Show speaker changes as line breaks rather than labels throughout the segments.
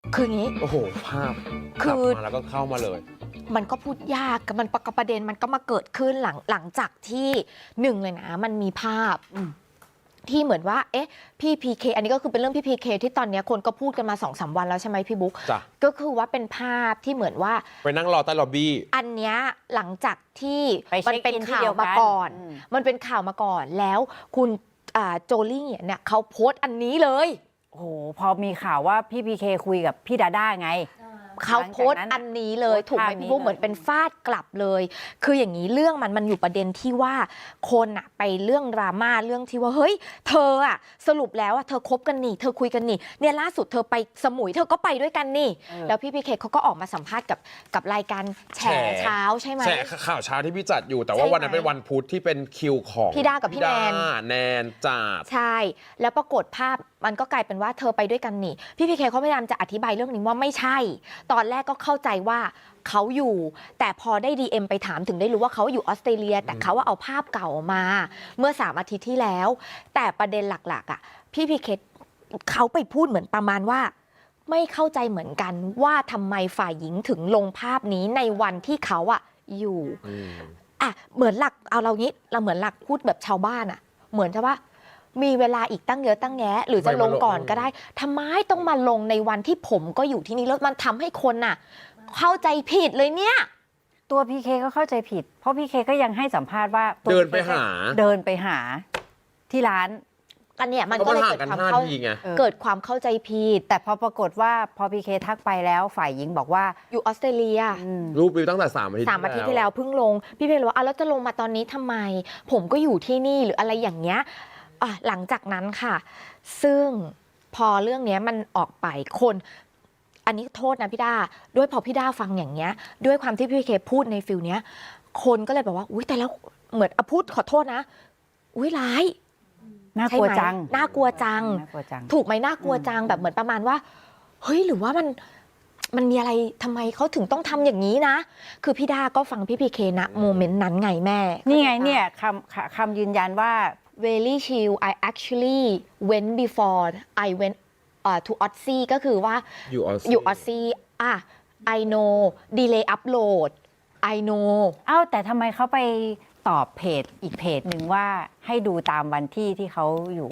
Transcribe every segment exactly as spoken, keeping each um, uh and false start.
คืออย่างนี้
โอ้โหภาพ
คือ
มาแล้วก็เข้ามาเลย
มันก็พูดยากมันประเด็นมันก็มาเกิดขึ้นหลังหลังจากที่หนึ่งเลยนะมันมีภาพที่เหมือนว่าเอ๊ะพี่พีเคอันนี้ก็คือเป็นเรื่องพี่พีเคที่ตอนนี้คนก็พูดกันมาสองสามวันแล้วใช่ไหมพี่บุ๊กก็คือว่าเป็นภาพที่เหมือนว่า
ไปนั่งรอใต้ล็อบบี้
อันเนี้ยหลังจากที่
มั
นเป็นข่าวมาก่อนมันเป็นข่าวมาก่อนแล้วคุณโจลี่เนี่ยเขาโพสต์อันนี้เลย
โอ้โหพอมีข่าวว่าพี่พีเคคุยกับพี่ดาด้าไง
เขาโพสต์อันนี้เลยถูกไหมพี่บุ๊กเหมือนเป็นฟาดกลับเลยคืออย่างนี้เรื่องมันมันอยู่ประเด็นที่ว่าคนอะไปเรื่องดราม่าเรื่องที่ว่าเฮ้ยเธออะสรุปแล้วอะเธอคบกันนี่เธอคุยกันนี่เนี่ยล่าสุดเธอไปสมุยเธอก็ไปด้วยกันนี่แล้วพี่พีเคเขาก็ออกมาสัมภาษณ์กับกับรายการแฉเช้าใช่ไหม
แฉข่าวเช้าที่พี่จัดอยู่แต่ว่าวันนั้นเป็นวันพุธที่เป็นคิวของ
พี่ดากับพี่แนน
แนนจัด
ใช่แล้วปรากฏภาพมันก็กลายเป็นว่าเธอไปด้วยกันนี่พี่พีเคเขาพยายามจะอธิบายเรื่องนี้ว่าไม่ใช่ตอนแรกก็เข้าใจว่าเขาอยู่แต่พอได้ ดี เอ็ม ไปถามถึงได้รู้ว่าเขาอยู่ออสเตรเลียแต่เขาว่าเอาภาพเก่ามาเมื่อสามอาทิตย์ที่แล้วแต่ประเด็นหลักๆอ่ะพี่พีเคเขาไปพูดเหมือนประมาณว่าไม่เข้าใจเหมือนกันว่าทำไมฝ่ายหญิงถึงลงภาพนี้ในวันที่เขาอ่ะอยู่อ่ะเหมือนหลักเอาเรางี้เราเหมือนหลักพูดแบบชาวบ้านอ่ะเหมือนจะว่ามีเวลาอีกตั้งเยอะตั้งแยะหรือจะลงก่อนก็ได้ทำไมต้องมาลงในวันที่ผมก็อยู่ที่นี่แล้วมันทำให้คนน่ะเข้าใจผิดเลยเนี่ย
ตัวพีเคก็เข้าใจผิดเพราะพีเคก็ยังให้สัมภาษณ์ว่า
เดินไปหา
เดินไปหาที่ร้าน
อันเนี้ยมันก็เลยเกิดความเข้าเกิดความเข้าใจผิด
แต่พอปรากฏว่าพอพีเคทักไปแล้วฝ่ายหญิงบอกว่า
อยู่ออสเตรเลีย
รูปวิวตั้งแต่สามอาทิตย์
สามอาทิตย์ที่แล้วเพิ่งลงพี่เพลว่าอ่ะแล้วจะลงมาตอนนี้ทำไมผมก็อยู่ที่นี่หรืออะไรอย่างเงี้ยอ่ะหลังจากนั้นค่ะซึ่งพอเรื่องนี้มันออกไปคนอันนี้โทษนะพี่ด้าด้วยพอพี่ด้าฟังอย่างเงี้ยด้วยความที่พี่เคพูดในฟิลเนี้ยคนก็เลยแบบว่าอุ้ยแต่แล้วเหมือนอพูดขอโทษนะอุ้ยร้าย
น่ากลัวจัง
น่ากลัวจังถูกไหมน่ากลัวจังแบบเหมือนประมาณว่าเฮ้ยหรือว่ามันมันมีอะไรทำไมเขาถึงต้องทำอย่างนี้นะคือพี่ด้าก็ฟังพี่พีเคนะโมเมนต์นั้นไงแม่
นี่ไงเนี่ยคำคำยืนยันว่า
very chill I actually went before I went uh, to Aussie ก็คือว่าอยู่ Aussie อ่ะ I know delay upload I know
อ้าวแต่ทำไมเขาไปตอบเพจอีกเพจหนึ่งว่าให้ดูตามวันที่ที่เขาอยู่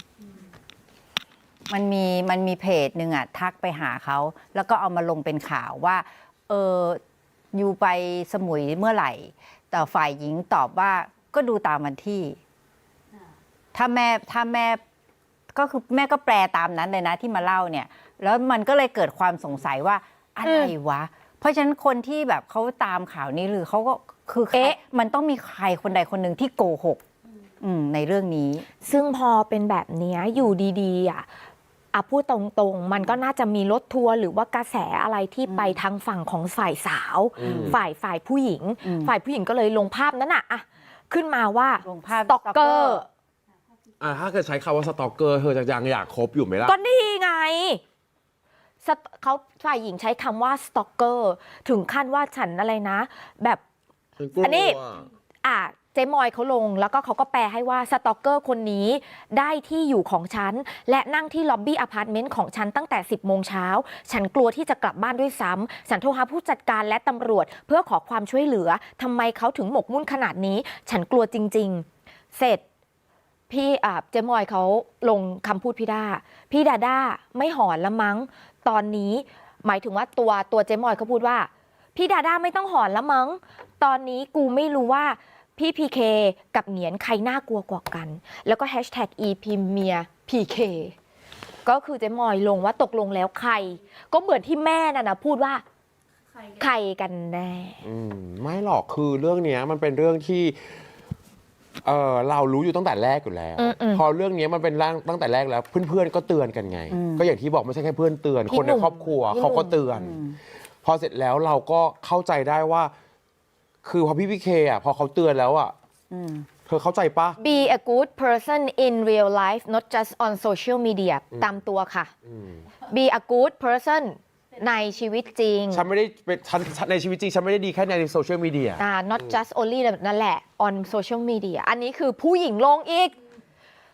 มันมีมันมีเพจหนึ่งอ่ะทักไปหาเขาแล้วก็เอามาลงเป็นข่าวว่าเอออยู่ไปสมุยเมื่อไหร่แต่ฝ่ายหญิงตอบว่าก็ดูตามวันที่ถ้าแม่ถ้าแม่ก็คือแม่ก็แปลตามนั้นเลยนะที่มาเล่าเนี่ยแล้วมันก็เลยเกิดความสงสัยว่าอะไรวะเพราะฉะนั้นคนที่แบบเขาตามข่าวนี้หรือเขาก็คือเอ๊ะมันต้องมีใครคนใดคนหนึ่งที่โกหกในเรื่องนี้
ซึ่งพอเป็นแบบนี้อยู่ดีๆอ่ะอ่ะพูดตรงๆมันก็น่าจะมีรถทัวร์หรือว่ากระแสอะไรที่ไปทางฝั่งของฝ่ายสาวฝ่ายฝ่ายผู้หญิงฝ่ายผู้หญิงก็เลยลงภาพนั้นอ่ะขึ้นมาว่าสต็อกเกอร์
อ่าถ้าเกิดใช้คำว่าสตอกเกอร์เธอจะยังอยากคบอยู่ไหมล่ะ
ก็นี่ไงเขาฝ่ายหญิงใช้คำว่าสตอกเกอร์ถึงขั้นว่าฉันอะไรนะแบบอันนี้อ่ะเจมอยเขาลงแล้วก็เขาก็แปลให้ว่าสตอกเกอร์คนนี้ได้ที่อยู่ของฉันและนั่งที่ล็อบบี้อพาร์ตเมนต์ของฉันตั้งแต่สิบโมงเช้าฉันกลัวที่จะกลับบ้านด้วยซ้ำฉันโทรหาผู้จัดการและตำรวจเพื่อขอความช่วยเหลือทำไมเขาถึงหมกมุ่นขนาดนี้ฉันกลัวจริงๆเสร็จพี่อ่าเจมอยเขาลงคำพูดพี่ด้าพี่ดาด้าไม่หอนละมั้งตอนนี้หมายถึงว่าตัวตัวเจมอยเขาพูดว่าพี่ดาด้าไม่ต้องหอนละมั้งตอนนี้กูไม่รู้ว่าพี่พีเคกับเหนียนใครน่ากลัวกว่ากันแล้วก็แฮชแท็กอีพีเมียพีเคก็คือเจมอยลงว่าตกลงแล้วใครก็เหมือนที่แม่น่ะนะพูดว่าใครกันแน่
ไม่หรอกคือเรื่องนี้มันเป็นเรื่องที่เออเรารู้อยู่ตั้งแต่แรกอยู่แล้วพอเรื่องนี้มันเป็นร่างตั้งแต่แรกแล้วเพื่อนๆก็เตือนกันไงก็อย่างที่บอกไม่ใช่แค่เพื่อนเตือนคนในครอบครัวเขาก็เตือนพอเสร็จแล้วเราก็เข้าใจได้ว่าคือพอพี่พีเคอ่ะพอเขาเตือนแล้วอ่ะเธอเข้าใจปะ
Be a good person in real life not just on social media ตามตัวค่ะ Be a good personในชีวิตจริง
ฉันไม่ได้เป็นฉันในชีวิตจริงฉันไม่ได้ดีแค่ในโซเชียลมีเดีย
อ่า not just only นั่นแหละ on social media อันนี้คือผู้หญิงลงอีก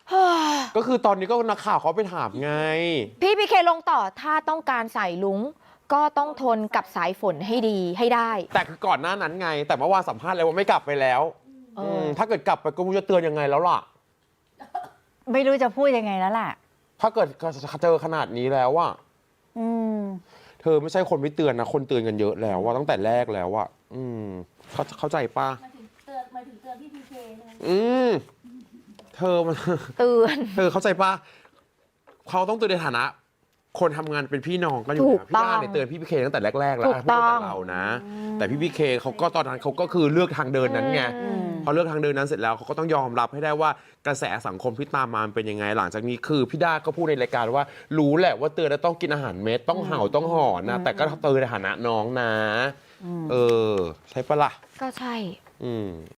ก็คือตอนนี้ก็นักข่าวเขาไปถามไง
พี่พีเคลงต่อถ้าต้องการใส่ลุงก็ต้องทนกับสายฝนให้ดีให้ได้
แต่คือก่อนหน้านั้นไง แต่เมื่อวานสัมภาษณ์แล้วว่าไม่กลับไปแล้ว
เอออื
มถ้าเกิดกลับไปก็ไม่รู้จะเตือนยังไงแล้วล่ะ
ไม่รู้จะพูดยังไงแล้วล่ะ
ถ้าเกิดเจอขนาดนี้แล้วว่า
อืม
เธอไม่ใช่คนไม่เตือนนะ คนเตือนกันเยอะแล้วว่าตั้งแต่แรกแล้วว่าอืมเขาเข้าใจป้า
มาถึงเตือนมาถึงเตือนพี่พีเคใช่ไหม
อืมเธอมัน
เตือน
เธอเข้าใจป้าเขาต้องเตือนในฐานะ คนทำงานเป็นพี่น้องกันอยู่
ถูก
นะพี่
ต้อง
ด้าเนี่ยเตือนพี่พีเคตั้งแต่แรกๆแล้ว
ถูก
พูดตั้ง
ต้
แต่
อง
เรานะ แต่พี่พีเคเขาก็ตอนนั้นเขาก็คือเลือกทางเดินนั้นไง
อืม
พอเลือกทางเดินนั้นเสร็จแล้วเขาก็ต้องยอมรับให้ได้ว่ากระแสสังคมที่ตามมามันเป็นยังไง หลังจากนี้คือพี่ด้าก็พูดในรายการว่ารู้แหละว่าเตือนแล้วต้องกินอาหารเม็ดต้องเห่าต้องหอนนะ แต่ก็เตือนในฐานะน้องนะ เออ ใช่ปะล่ะ
ก็ใช่
อืม